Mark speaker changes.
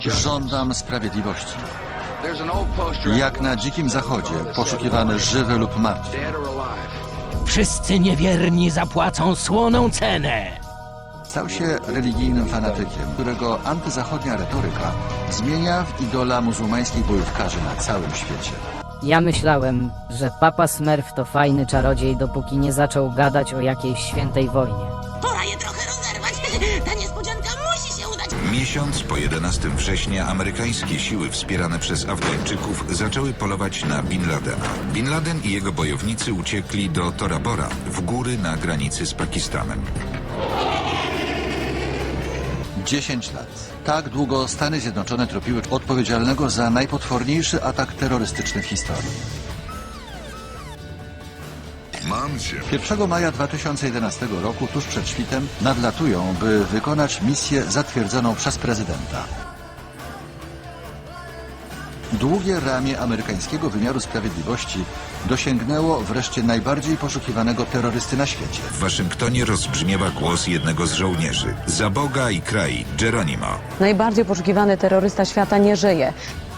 Speaker 1: Żądam sprawiedliwości. Jak na Dzikim Zachodzie, poszukiwany żywy lub martwy.
Speaker 2: Wszyscy niewierni zapłacą słoną cenę.
Speaker 1: Stał się religijnym fanatykiem, którego antyzachodnia retoryka zmienia w idola muzułmańskich bojówkarzy na całym świecie.
Speaker 3: Ja myślałem, że Papa Smurf to fajny czarodziej, dopóki nie zaczął gadać o jakiejś świętej wojnie.
Speaker 4: Pora je trochę rozerwać. Ta niespodzianka musi się udać.
Speaker 5: Miesiąc po 11 września amerykańskie siły wspierane przez Afgańczyków zaczęły polować na Bin Ladena. Bin Laden i jego bojownicy uciekli do Tora Bora, w góry na granicy z Pakistanem.
Speaker 1: 10 lat. Tak długo Stany Zjednoczone tropiły odpowiedzialnego za najpotworniejszy atak terrorystyczny w historii. 1 maja 2011 roku, tuż przed świtem, nadlatują, by wykonać misję zatwierdzoną przez prezydenta. Długie ramię amerykańskiego wymiaru sprawiedliwości dosięgnęło wreszcie najbardziej poszukiwanego terrorysty na świecie.
Speaker 5: W Waszyngtonie rozbrzmiewa głos jednego z żołnierzy. Za Boga i kraj, Geronimo.
Speaker 6: Najbardziej poszukiwany terrorysta świata nie żyje.